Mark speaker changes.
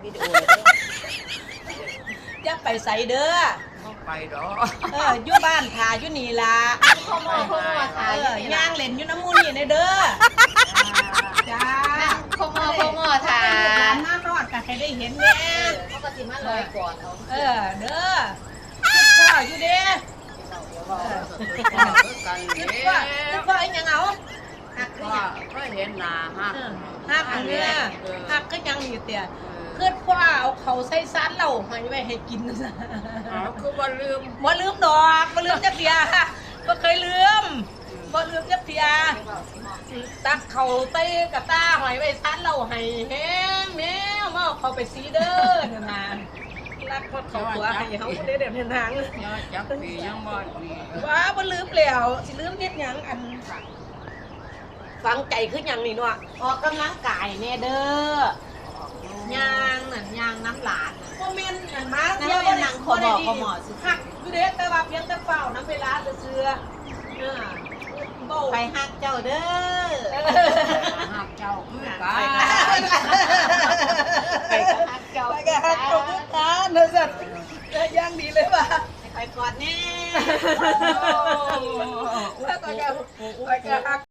Speaker 1: วิดีโอ
Speaker 2: อย่าไปใส่เด้อ
Speaker 3: ต้องไปดอก
Speaker 2: อยู่บ้านถ่าอยู่นี่ล่ะ
Speaker 1: พ่อหมอถ่าย
Speaker 2: ย่างเล่นอยู่น้ำมูนี่ในเด้อจ้า
Speaker 1: พ่อหมอถ่าย
Speaker 2: ร้านมารอดก็ให้ได้เห็นแน่
Speaker 1: เขาก็สิมาลอยก่อนเอา
Speaker 2: เด้อคิดพ่ออยู่เด้คิดพ่อไอ้ยังเอา
Speaker 3: หักก็เห็นหน้า
Speaker 2: หักเนี่ยหักก็ยังอยู่เตี่ยคือพ่อเอาเขาใส่ซันเราให้ไว้ให้กินนะ
Speaker 3: คือว่าลืม
Speaker 2: ดอกบ่ลืมจักเดียบ่เคยลืมจักเดียตักเขาใส่กระตาหอยไว้ซันเราให้แห้งแมวมาเขาไปซีเด้อเนี่ยนะรักพอเขาตัวให้เขาได้เดี๋ยวทาง
Speaker 3: จักปียังบ่ดี
Speaker 2: ว่าบ่ลืมแล้วสิลืมเฮ็ดหยังอันฟังใจคือหยังนี่เนาะ
Speaker 1: ออกกำลังกายแน่เด้อย่างน้ำหลาน
Speaker 2: บ่แม่นอันมา
Speaker 1: เที่ยวบ่นั่งขอหมอสิ
Speaker 2: หักอยู่เด้แต่ว่าเพียงแต่เฝ้าน้ำเวลาเชื่อ
Speaker 1: ไปหักเจ้าเด้อ
Speaker 3: หักเจ้า
Speaker 1: ไปก็หักเจ้า
Speaker 2: ไปก็หักเจ้าเนื้อสัตว์ย่างดีเลยป่ะ
Speaker 1: ไปกอดแน่
Speaker 2: ไปก็หัก